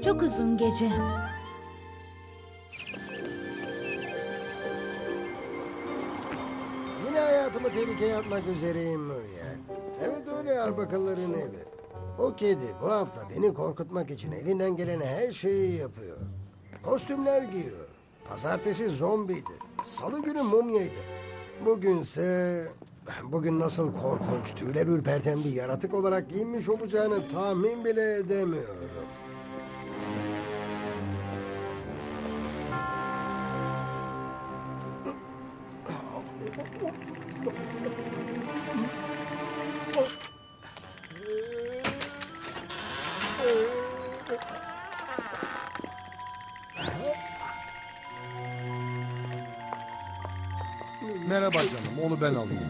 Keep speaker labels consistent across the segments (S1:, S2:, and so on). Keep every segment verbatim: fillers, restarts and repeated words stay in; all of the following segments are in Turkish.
S1: Çok uzun gece.
S2: Yine hayatımı tehlikeye atmak üzereyim Muriel. Evet öyle Arbakalların evi. O kedi bu hafta beni korkutmak için elinden gelen her şeyi yapıyor. Kostümler giyiyor. Pazartesi zombiydi. Salı günü mumyaydı. Bugünse... Bugün nasıl korkunç, tüyle ürperten bir yaratık olarak giyinmiş olacağını tahmin bile edemiyorum.
S3: Merhaba canım, onu ben alayım.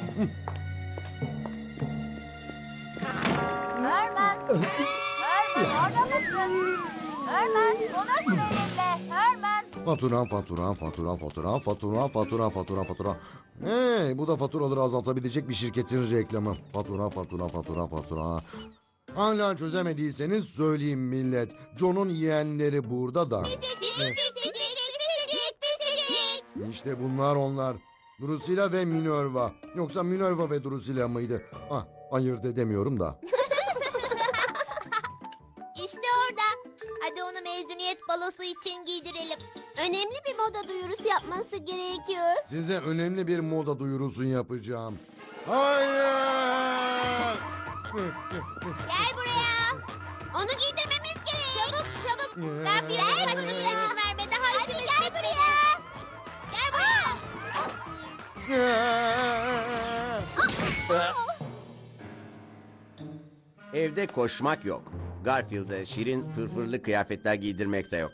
S4: Herman! Herman orada mısın? Herman konuş benimle. Herman!
S3: Fatura, fatura, fatura, fatura, fatura, fatura, fatura, fatura. Hey, bu da faturaları azaltabilecek bir şirketin reklamı. Fatura, fatura, fatura, fatura. Hala çözemediyseniz söyleyeyim millet. John'un yeğenleri burada da. İşte bunlar onlar. Drusilla ve Minerva. Yoksa Minerva ve Drusilla mıydı? Ah, ayırt edemiyorum da.
S4: İşte orada. Hadi onu mezuniyet balosu için giydirelim. Önemli bir moda duyurusu yapması gerekiyor.
S3: Size önemli bir moda duyurusu yapacağım. Hayır!
S4: Gel buraya. Onu giydirmemiz gerek. Çabuk çabuk. Ben bir ay başını izin verme. Daha işimiz bitmedi. Gel buraya.
S5: Evde koşmak yok. Garfield'e şirin fırfırlı kıyafetler giydirmek de yok.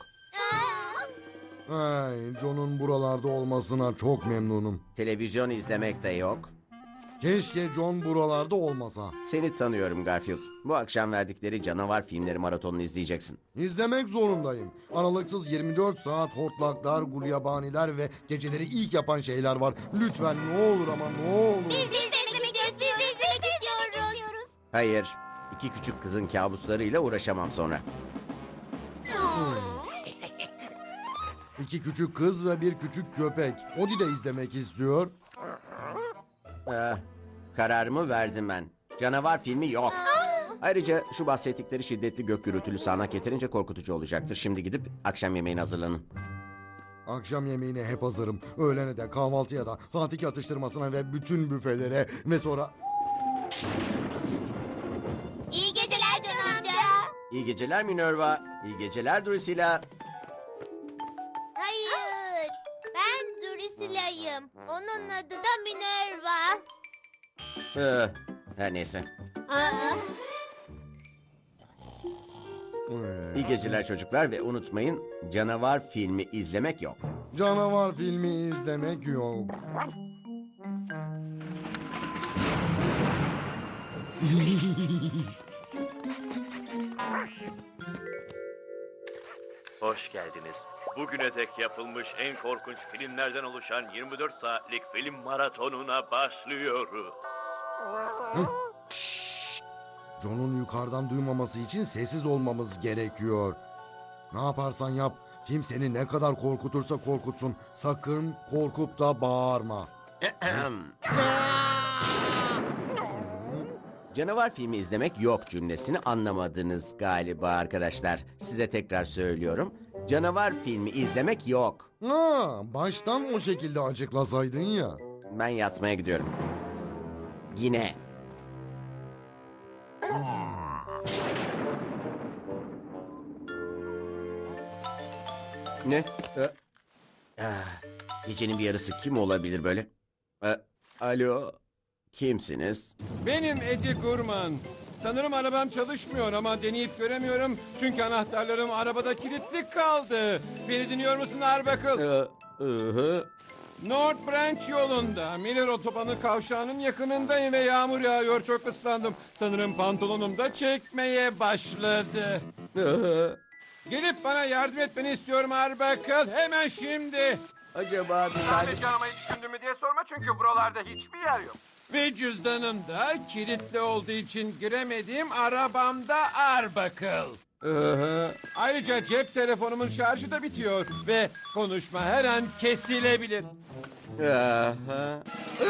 S3: Ay, John'un buralarda olmasına çok memnunum.
S5: Televizyon izlemek de yok.
S3: Keşke John buralarda olmasa.
S5: Seni tanıyorum Garfield. Bu akşam verdikleri canavar filmleri maratonunu izleyeceksin.
S3: İzlemek zorundayım. Aralıksız yirmi dört saat hortlaklar, gulyabaniler ve geceleri ilk yapan şeyler var. Lütfen ne olur ama ne olur.
S4: Biz de izlemek istiyoruz. Biz de izlemek istiyoruz.
S5: Hayır, iki küçük kızın kabuslarıyla uğraşamam sonra.
S3: İki küçük kız ve bir küçük köpek. Odi de izlemek istiyor.
S5: Ah, kararımı verdim ben. Canavar filmi yok. Ayrıca şu bahsettikleri şiddetli gök gürültülü sağanak yeterince korkutucu olacaktır. Şimdi gidip akşam yemeğine hazırlanın.
S3: Akşam yemeğine hep hazırım. Öğlene de, kahvaltıya da, saat iki atıştırmasına ve bütün büfelere ve sonra...
S4: İyi geceler Can amca.
S5: İyi geceler Minerva. İyi geceler Drusilla.
S4: Hayır. Ben Drusila'yım. Onun adı da Minerva.
S5: Ee, her neyse.
S4: Aa,
S5: İyi geceler çocuklar ve unutmayın canavar filmi izlemek yok.
S3: Canavar filmi izlemek yok.
S6: Hoş geldiniz. Bugüne dek yapılmış en korkunç filmlerden oluşan yirmi dört saatlik film maratonuna başlıyoruz.
S3: John'un yukarıdan duymaması için sessiz olmamız gerekiyor. Ne yaparsan yap, film seni ne kadar korkutursa korkutsun. Sakın korkup da bağırma.
S5: Canavar filmi izlemek yok cümlesini anlamadınız galiba arkadaşlar. Size tekrar söylüyorum. Canavar filmi izlemek yok.
S3: Ha, baştan o şekilde açıklasaydın ya.
S5: Ben yatmaya gidiyorum. Yine. Ne? Ee, ah, gecenin bir yarısı kim olabilir böyle? Ee, alo, kimsiniz?
S7: Benim Eddie Gurman. Sanırım arabam çalışmıyor ama deneyip göremiyorum. Çünkü anahtarlarım arabada kilitli kaldı. Beni dinliyor musun Arbuckle?
S5: Ee, ıhı.
S7: North Branch yolunda. Miller Otobanı kavşağının yakınındayım ve yağmur yağıyor. Çok ıslandım. Sanırım pantolonum da çekmeye başladı.
S5: Ihı.
S7: Gelip bana yardım etmeni istiyorum Arbuckle. Hemen şimdi.
S5: Acaba bir tane...
S7: Sadece aramayı düşündün mü diye sorma çünkü buralarda hiçbir yer yok. Ve cüzdanım da kilitli olduğu için giremediğim arabamda Arbuckle. Ee, ayrıca cep telefonumun şarjı da bitiyor ve konuşma her an kesilebilir.
S5: Aha.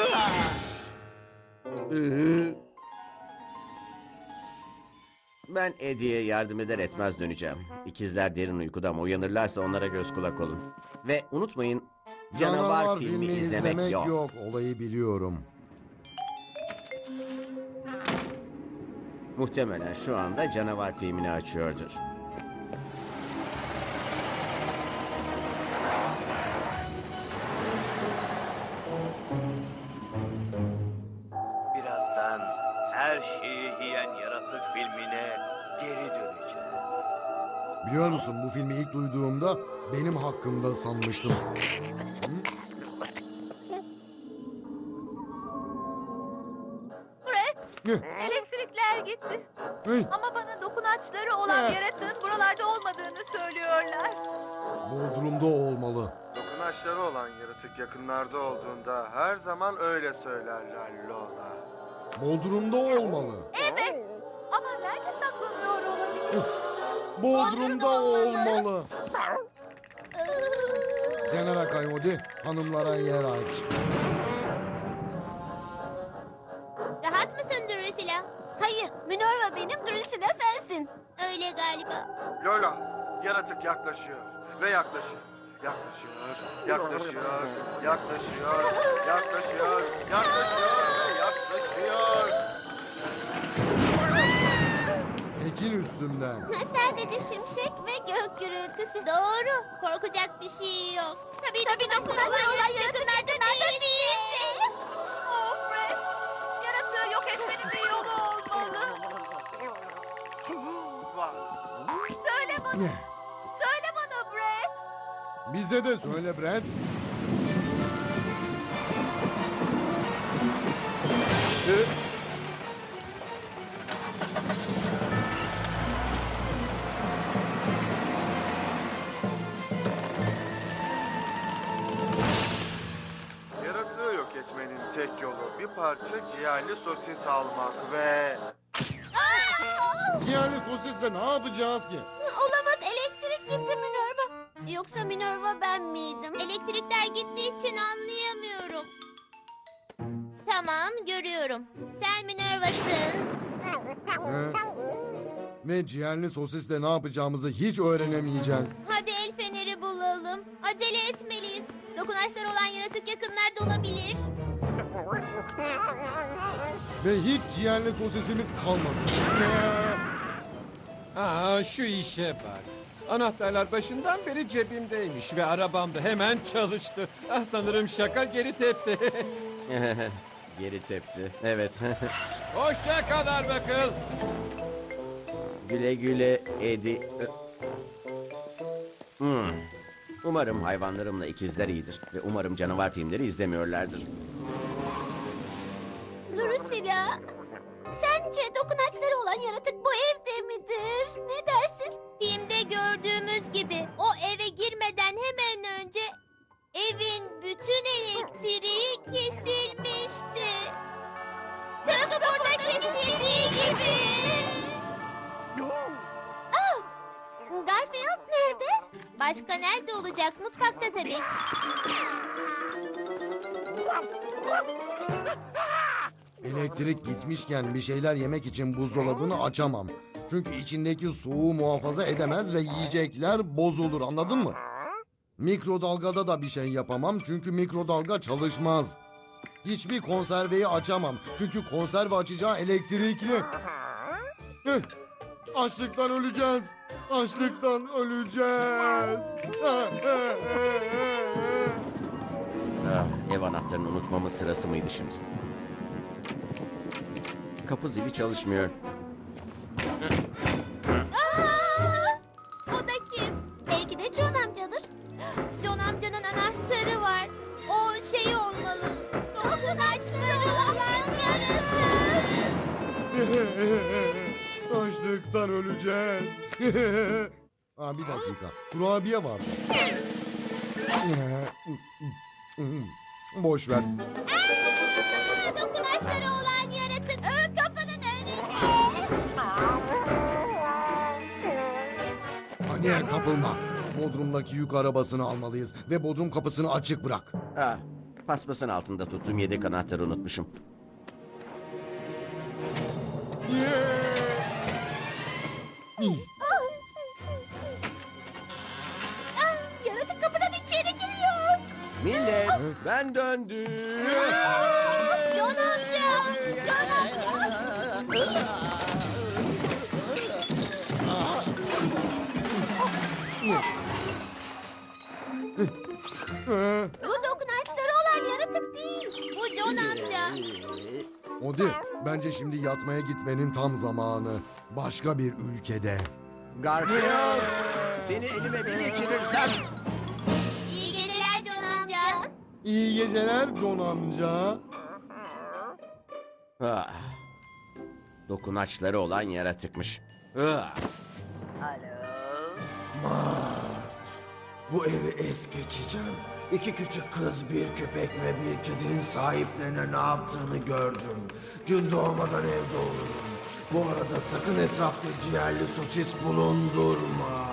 S5: Ben Eddie'ye yardım eder etmez döneceğim. İkizler derin uykuda ama uyanırlarsa onlara göz kulak olun. Ve unutmayın, canavar, filmi, izlemek, yok.
S3: Olayı biliyorum.
S5: Muhtemelen şu anda canavar filmini açıyordur.
S6: Birazdan her şeyi yiyen yaratık filmine geri döneceğiz.
S3: Biliyor musun, bu filmi ilk duyduğumda benim hakkımda sanmıştım.
S1: Fred, elektrikler gitti.
S3: Hey,
S1: Ama bana dokunaçları olan yaratığın buralarda olmadığını söylüyorlar.
S3: Bodrum'da olmalı.
S8: Dokunaçları olan yaratık yakınlarda olduğunda her zaman öyle söylerler Lola.
S3: Bodrum'da olmalı.
S1: Evet. Ama nerede saklanıyor olabilir?
S3: Bodrum'da olmalı. General Coyote, hanımlara yer aç.
S4: Rahat mısın Drusilla? Hayır, Minerva benim, Drusilla sensin. Öyle galiba.
S8: Lola, yaratık yaklaşıyor ve yaklaşıyor. Yaklaşıyor, yaklaşıyor, yaklaşıyor, yaklaşıyor, yaklaşıyor, yaklaşıyor.
S3: Ekin üstümden.
S4: Sadece şimşek ve gök gürültüsü. Doğru. Korkacak bir şey yok. Tabii tabii dokunaçlar olan yakınlarda değilse.
S1: Oh Fred, yaratığı yok etmenin bir yolu olmalı. Söyle bana,
S3: Ne?
S1: söyle bana Fred.
S3: Bize de söyle Brent.
S8: Yaratığı yok etmenin tek yolu bir parça ciğerli sosis almak ve...
S3: Yani sosisle ne yapacağız ki?
S4: Olamaz, elektrik gitti Minerva. Yoksa Minerva ben miydim? Elektrikler gittiği için anlayamıyorum. Tamam, görüyorum. Sen Minerva'sın.
S3: He? Ve ciğerli sosisle ne yapacağımızı hiç öğrenemeyeceğiz.
S4: Hadi el feneri bulalım. Acele etmeliyiz. Dokunaçlar olan yaratık yakınlarda olabilir.
S3: Ve hiç ciğerli sosisimiz kalmadı.
S7: Aa, şu işe bak. Anahtarlar başından beri cebimdeymiş ve arabam da hemen çalıştı. Ah, sanırım şaka geri tepti.
S5: Geri tepti. Evet.
S7: Hoşça kal Arbuckle.
S5: Güle güle Eddie. Hmm. Umarım hayvanlarımla ikizler iyidir. Ve umarım canavar filmleri izlemiyorlardır.
S4: Drusilla, sence dokunaçları olan yaratık bu evde midir? Ne dersin? Filmde gördüğümüz gibi o eve girmeden hemen önce evin bütün elektriği kesilmişti. Tıpkı burada kesildiği gibi. Ah! Garfield nerede? Başka nerede olacak? Mutfakta tabii.
S3: Elektrik gitmişken bir şeyler yemek için buzdolabını açamam. Çünkü içindeki soğuğu muhafaza edemez ve yiyecekler bozulur, anladın mı? Mikrodalgada da bir şey yapamam çünkü mikrodalga çalışmaz. Hiçbir konserveyi açamam çünkü konserve açacağı elektrikli. Heh, açlıktan öleceğiz. Açlıktan öleceğiz.
S5: Ah, ev anahtarını unutmamın sırası mıydı şimdi? Kapı zili çalışmıyor.
S4: Aa! O da kim? Belki de John amcadır. John amcanın anahtarı var. O şey olmalı. Dokunaçları olan yaratık.
S3: Açlıktan öleceğiz. Aa, bir dakika. Kurabiye var. Boş ver.
S4: Aa, dokunaçları olan yaratık. Ön kapının önünde.
S3: Paniğe kapılma. Bodrum'daki yük arabasını almalıyız ve Bodrum kapısını açık bırak.
S5: Ah, paspasın altında tuttuğum yedek anahtarı unutmuşum.
S4: Ah, yaratık kapıdan içeri giriyor.
S5: Millet, ben döndüm.
S4: John amca. John amca. Bu dokunaçları olan yaratık değil. Bu John amca.
S3: Odi, bence şimdi yatmaya gitmenin tam zamanı. Başka bir ülkede.
S5: Garfield, seni elime bir geçirirsem.
S4: İyi geceler John amca.
S3: İyi geceler John amca.
S5: Ah, dokunaçları olan yaratıkmış. Ah.
S9: Bu evi es geçeceğim. İki küçük kız, bir köpek ve bir kedinin sahiplerine ne yaptığını gördüm. Gün doğmadan evde olurum. Bu arada sakın etrafta ciğerli sosis bulundurma.